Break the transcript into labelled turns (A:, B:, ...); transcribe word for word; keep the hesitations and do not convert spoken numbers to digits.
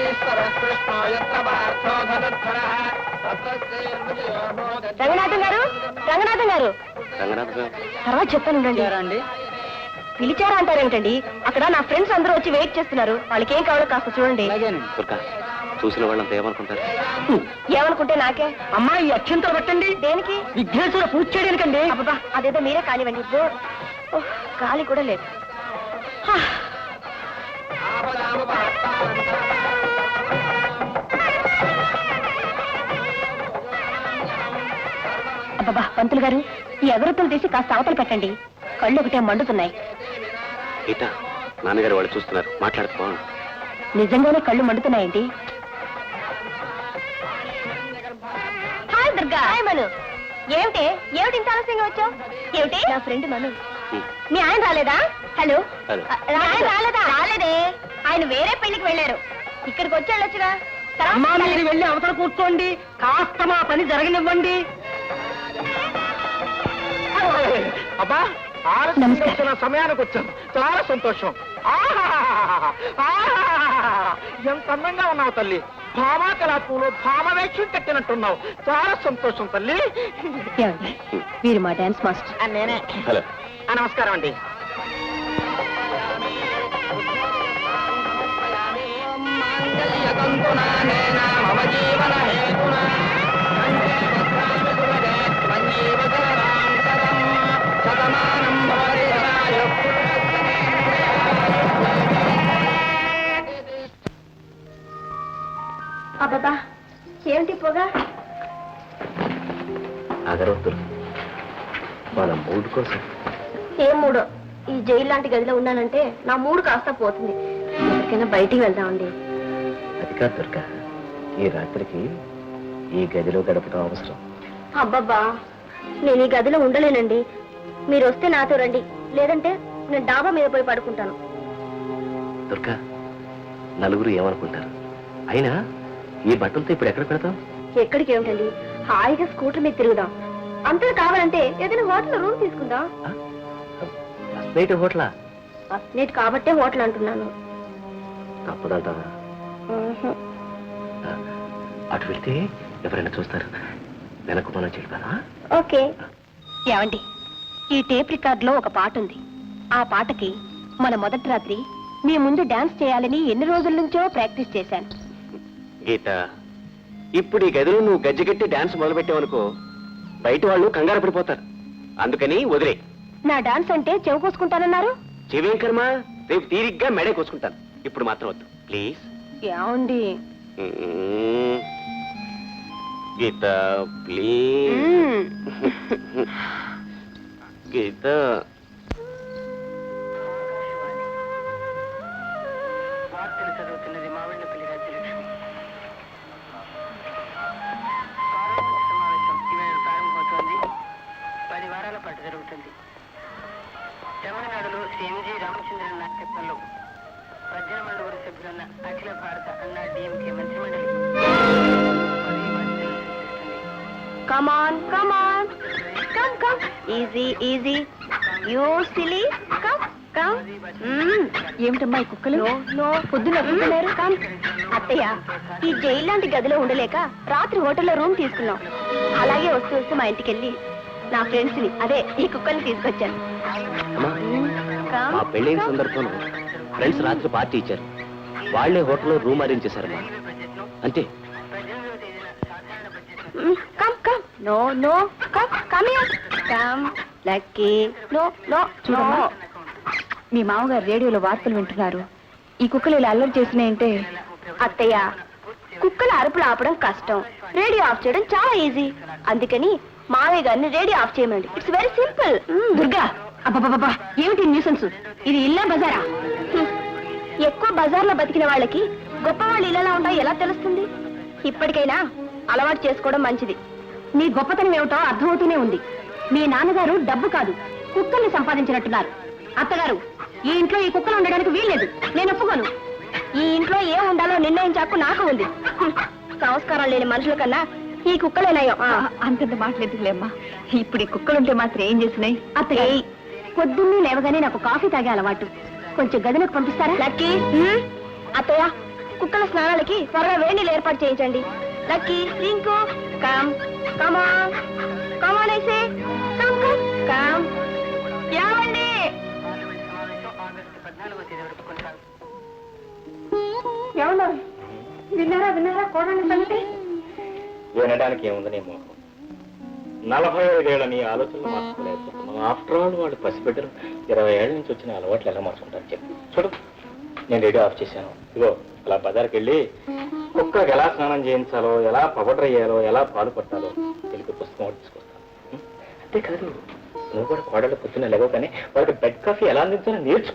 A: రంగనాథం గారు రంగనాథం గారు తర్వాత చెప్తాను. పిలిచారా అంటారేంటండి? అక్కడ నా ఫ్రెండ్స్ అందరూ వచ్చి వెయిట్ చేస్తున్నారు. వాళ్ళకి ఏం కావాలో కాస్త చూడండి.
B: చూసిన వాళ్ళంతా ఏమనుకుంటారు?
A: ఏమనుకుంటే నాకే.
C: అమ్మాయి అత్యంత పెట్టండి.
A: దేనికి?
C: విఘ్నేశ్వర పూజ చేయడానికండి.
A: అబ్బా అదేదో మీరే కానివ్వండి. గాలి కూడా లేదు. అబ్బా పంతులు గారు, ఈ అగరత్తులు తీసి కాస్త అవతలు పెట్టండి. కళ్ళు ఒకటే మండుతున్నాయి.
B: నాన్నగారు వాళ్ళు చూస్తున్నారు, మాట్లాడుకో.
A: నిజంగానే కళ్ళు మండుతున్నాయండి. హాయ్ దుర్గా. హాయ్ మను. ఏమిటి ఏమిటి ఇంత ఆలస్యంగా వచ్చావు? ఏమిటి? నా ఫ్రెండ్ మను. మీ ఆయన రాలేదా? హలో, ఆయన రాలేదా? రాలేదే, ఆయన వేరే పెళ్లికి వెళ్ళారు. ఇక్కడికి వచ్చి వెళ్ళొచ్చుగా.
C: మీరు వెళ్ళి అవతల కూర్చోండి, కాస్త మా పని జరగనివ్వండి. అబ్బా ఆలస్యం సమయానికి వచ్చాను, చాలా సంతోషం. ఎంత అందంగా ఉన్నావు తల్లి. భామా కళాపూలు భామవేక్షం కట్టినట్టున్నావు. చాలా సంతోషం తల్లి.
A: మీరు మా డాన్స్ మాస్టర్.
C: నేనే. నమస్కారం అండి.
A: అబ్బా ఏమిటి పొగ?
B: అగరొద్దు, మన మూడు కోసం.
A: ఏం మూడో? ఈ జైలు లాంటి గదిలో ఉన్నానంటే నా మూడు కాస్త పోతుంది. ఎక్కడికైనా బయటికి వెళ్దామండి.
B: అది కాదు దుర్గా, ఈ రాత్రికి ఈ గదిలో గడపడం అవసరం.
A: అబ్బబ్బా, నేను ఈ గదిలో ఉండలేనండి. మీరు వస్తే నాతో రండి, లేదంటే నేను డాబా మీద పోయి పడుకుంటాను.
B: దుర్గా, నలుగురు ఏమనుకుంటారు? అయినా ఈ బట్టలతో ఇప్పుడు ఎక్కడ పెడతాం?
A: ఎక్కడికి ఏమిటండి, హాయిగా స్కూటర్ మీద తిరుగుదాం. అంతా కావాలంటే ఏదైనా హోటల్ రూమ్ తీసుకుందాం.
B: నైట్ హోటలా?
A: ఫస్ట్ నైట్ కాబట్టే హోటల్ అంటున్నాను.
B: తప్పదంటావా? అటు వెళ్తే ఎవరైనా చూస్తారు. వెనక్కు మనం చెల్పానా?
A: ఓకే. ఏమండి, ఈ టేప్ రికార్డ్ లో ఒక పాట ఉంది. ఆ పాటకి మన మొదటి రాత్రి మీ ముందు డాన్స్ చేయాలని ఎన్ని రోజుల నుంచో ప్రాక్టీస్ చేశాను.
B: గీత, ఇప్పుడు ఈ గదిలో నువ్వు గజ్జగట్టి డాన్స్ మొదలుపెట్టావనుకో, బయట వాళ్ళు కంగారు పడిపోతారు. అందుకని వదిలే.
A: నా డాన్స్ అంటే చెవు కోసుకుంటానన్నారు.
B: చెవేం కర్మ, రేపు తీరిగ్గా మెడే కోసుకుంటాను. ఇప్పుడు మాత్రం వద్దు ప్లీజ్.
A: ఏమండి?
B: గీత ప్లీజ్. గీత
C: చదువుతున్నది మావిళ్ళపల్లి రాజ్యలక్ష్మి. ప్రారంభమవుతోంది. పది వారాల పాటు జరుగుతుంది. తమిళనాడులో శ్రీ ఎంజి రామచంద్రన్ నాయకత్వంలో పద్దెనిమిది మండుగురు సభ్యులున్న అఖిల భారత అన్నా డిఎంకే మంత్రిమండలి
A: Come on, come on. Come, come. Easy, easy. You silly. Come, come. ఏమిటమ్మా ఈ కుక్కలు? నో, పొద్దున కుక్కలేరు. కమ్. అత్తయ్య, ఈ జైలు లాంటి గదిలో ఉండలేక రాత్రి హోటల్లో రూమ్ తీసుకున్నాం. అలాగే వస్తూ వస్తూ మా ఇంటికి వెళ్ళి నా ఫ్రెండ్స్ ని, అదే ఈ కుక్కల్ని తీసుకొచ్చాను.
B: మా పెళ్ళైన సందర్భంలో ఫ్రెండ్స్ రాత్రి పార్టీ ఇచ్చారు. వాళ్లే హోటల్లో రూమ్ అరేంజ్ చేశారమ్మా. అంతే.
A: Come come. No no, come come here. Come Lucky. No no no. మీ మామగారు రేడియోలో వార్తలు వింటున్నారు. ఈ కుక్కలు ఇలా అల్లరి చేసినాయంటే. అత్తయ్య, కుక్కల అరుపులు ఆపడం కష్టం, రేడియో ఆఫ్ చేయడం చాలా ఈజీ. అందుకని మావయ్య గారిని రేడియో ఆఫ్ చేయమండి. It's very simple. దుర్గా, అబ్బబ్బబ్బా, ఏమిటి న్యూసెన్స్? ఇది ఇల్లా బజారా? ఎక్కువ బజార్లో బతికిన వాళ్ళకి గొప్ప వాళ్ళు ఇళ్ళలా ఉంటాయో ఎలా తెలుస్తుంది? ఇప్పటికైనా అలవాటు చేసుకోవడం మంచిది. మీ గొప్పతనం ఏమిటో అర్థమవుతూనే ఉంది. మీ నాన్నగారు డబ్బు కాదు, కుక్కల్ని సంపాదించినట్టున్నారు. అత్తగారు, ఈ ఇంట్లో ఈ కుక్కలు ఉండడానికి వీల్లేదు. నేను ఒప్పుకోను. ఈ ఇంట్లో ఏం ఉండాలో నిర్ణయించాకు నాకు ఉంది. సంస్కారం లేని మనుషుల కన్నా ఈ కుక్కలేనాయో. అంతంత మాట్లాడుతులేమ్మా. ఇప్పుడు ఈ కుక్కలుంటే మాత్రం ఏం చేసినాయి? అత్తయ్య, పొద్దున్నే లేవగానే నాకు కాఫీ తాగే అలవాటు. కొంచెం గదిలోకి పంపిస్తారా? లక్కీ. అత్తయ్య, కుక్కల స్నానాలకి త్వరగా వేడి నీళ్ళు ఏర్పాటు చేయించండి. Lucky, Rinku, come come on come on ఐసే కమ్ కమ్ కమ్. ఏమండి? ఎవరు విన్నారా విన్నారా కోడని సంగతి?
D: వినడానికి ఏముంది నీ మోహం? నలభై ఐదేళ్ల నీ ఆలోచనలు మార్చుకోలేకపోతున్నావు. ఆఫ్టర్ ఆల్ వాళ్ళు పసిబిడ్డలు ఇరవై ఏళ్ళ నుంచి వచ్చిన అలవాట్లు ఎలా మార్చుకుంటారు చెప్పు. చూడు, నేను రేడియో ఆఫ్ చేశాను. ఇగో అలా బజార్కి వెళ్ళి కుక్కకి ఎలా స్నానం చేయించాలో, ఎలా పౌడర్ అయ్యాలో, ఎలా పాలు పట్టాలో తెలుగు పుస్తకం ఒకటి తీసుకొస్తాను. అంతేకాదు, నువ్వు కూడా కోడలు పొద్దున్న లేవో కానీ వాళ్ళకి బెడ్ కాఫీ ఎలా అందించాలో నేర్చుకో.